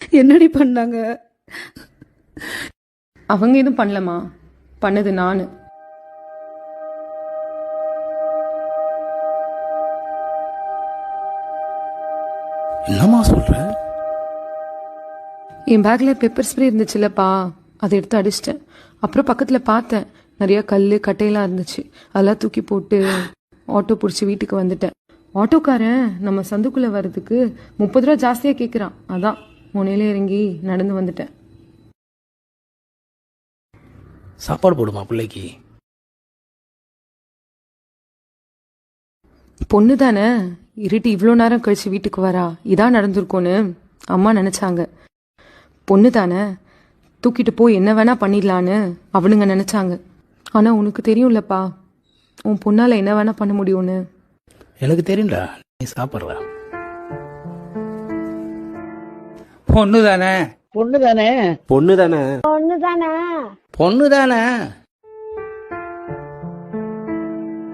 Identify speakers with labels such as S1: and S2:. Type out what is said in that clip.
S1: என்னடி பண்ணாங்க?
S2: அவங்க எதுவும் பண்ணலமா, பண்ணது நானு.
S3: என்னம்மா சொல்ற?
S2: என் பேக்ல பெப்பர் ஸ்ப்ரே இருந்துச்சுல்லப்பா, அதை எடுத்து அடிச்சிட்டேன். அப்புறம் பக்கத்துல பார்த்தேன், நிறைய கல் கட்டையெல்லாம் இருந்துச்சு. அதெல்லாம் தூக்கி போட்டு ஆட்டோ பிடிச்சி வீட்டுக்கு வந்துட்டேன். ஆட்டோக்காரன் நம்ம சந்துக்குள்ள வர்றதுக்கு 30 ரூபா ஜாஸ்தியா கேட்குறான். அதான் முனையில இறங்கி நடந்து வந்துட்டேன்.
S3: சாப்பாடு போடுமா பிள்ளைக்கு?
S2: பொண்ணு தானே, இருட்டி இவ்வளோ நேரம் கழிச்சு வீட்டுக்கு வரா, இதான் நடந்திருக்கோன்னு அம்மா நினைச்சாங்க. பொண்ணு தானே, தூக்கிட்டு போய் என்ன வேணா பண்ணிடலான்னு அவனுங்க நினைச்சாங்க. ஆனா உனக்கு தெரியும்லப்பா, உன் பொண்ணால என்ன வேணா பண்ண முடியும்னு.
S3: எனக்கு தெரியும்டா, நீ சாப்பிட்ற. பொண்ணு தானே,
S4: பொண்ணு தானே
S5: பொண்ணு தானே
S4: பொண்ணு தானே